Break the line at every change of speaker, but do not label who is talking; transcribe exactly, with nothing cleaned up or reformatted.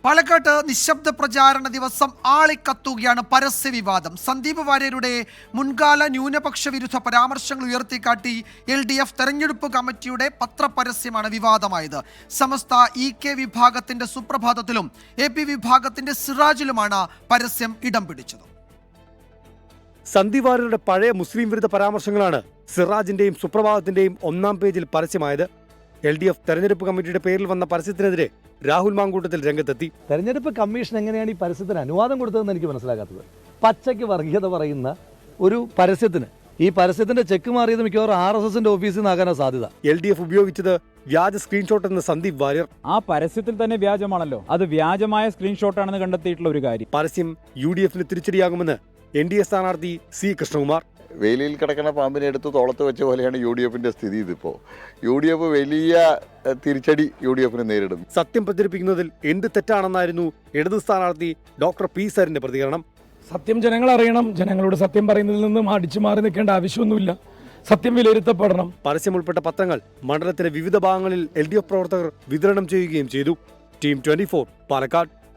പാലക്കാട്ട് നിശബ്ദ പ്രചാരണ ദിവസം ആളിക്കത്തുകയാണ് പരസ്യ വിവാദം. സന്ദീപ് വാര്യരുടെ മുൻകാല ന്യൂനപക്ഷ വിരുദ്ധ പരാമർശങ്ങൾ ഉയർത്തിക്കാട്ടി എൽ ഡി എഫ് തെരഞ്ഞെടുപ്പ് കമ്മിറ്റിയുടെ പത്രപരസ്യമാണ് വിവാദമായത്. സമസ്ത ഇ കെ വിഭാഗത്തിന്റെ സുപ്രഭാതത്തിലും എ പി വിഭാഗത്തിന്റെ സിറാജിലുമാണ് പരസ്യം ഇടം പിടിച്ചത്.
സന്ദീപ് വാര്യരുടെ പഴയ മുസ്ലിം വിരുദ്ധ പരാമർശങ്ങളാണ് സിറാജിന്റെയും സുപ്രഭാതത്തിന്റെയും ഒന്നാം പേജിൽ പരസ്യമായത്. എൽ ഡി എഫ് തെരഞ്ഞെടുപ്പ് കമ്മിറ്റിയുടെ പേരിൽ വന്ന പരസ്യത്തിനെതിരെ രാഹുൽ മാങ്കൂട്ടത്തിൽ രംഗത്തെത്തി.
തെരഞ്ഞെടുപ്പ് കമ്മീഷൻ എങ്ങനെയാണ് ഈ പരസ്യത്തിന് അനുവാദം കൊടുത്തതെന്ന് എനിക്ക് മനസ്സിലാക്കാത്തത്. പച്ചയ്ക്ക് വർഗീയത പറയുന്ന ഒരു പരസ്യത്തിന് ഈ പരസ്യത്തിന്റെ ചെക്ക് മാറിയത് മിക്കവാറും ആർ എസ് എസിന്റെ ഓഫീസിൽ നിന്നാകാനാണ് സാധ്യത.
എൽ ഡി എഫ് ഉപയോഗിച്ചത് വ്യാജ സ്ക്രീൻഷോട്ട് എന്ന് സന്ദീപ് വാര്യർ.
ആ പരസ്യത്തിൽ തന്നെ വ്യാജമാണല്ലോ, അത് വ്യാജമായ സ്ക്രീൻഷോട്ടാണെന്ന് കണ്ടെത്തിയിട്ടുള്ള ഒരു കാര്യം.
പരസ്യം യു ഡി എഫിന് തിരിച്ചടിയാകുമെന്ന് എൻ ഡി എ സ്ഥാനാർത്ഥി സി കൃഷ്ണകുമാർ.
വേലിയിൽ കിടക്കുന്ന പാമ്പിനെ എടുത്ത് തോളത്ത് വെച്ച പോലെയാണ് യു ഡി എഫിന്റെ സ്ഥിതി. ഇതിപ്പോ യു ഡി എഫ് വലിയ തിരിച്ചടി യു ഡി എഫിന് നേരിടും.
സത്യം പ്രചരിപ്പിക്കുന്നതിൽ എന്ത് തെറ്റാണെന്നായിരുന്നു ഇടതു സ്ഥാനാർത്ഥി ഡോക്ടർ പി സരിന്റെ പ്രതികരണം.
സത്യം ജനങ്ങൾ അറിയണം. ജനങ്ങളോട് സത്യം പറയുന്നതിൽ നിന്നും അടിച്ചു മാറി നിൽക്കേണ്ട ആവശ്യമൊന്നുമില്ല. സത്യം വിലയിരുത്തപ്പെടണം.
പരസ്യം ഉൾപ്പെട്ട പത്രങ്ങൾ മണ്ഡലത്തിലെ വിവിധ ഭാഗങ്ങളിൽ എൽ ഡി എഫ് പ്രവർത്തകർ വിതരണം ചെയ്യുകയും ചെയ്തു. Team twenty four Palakkad.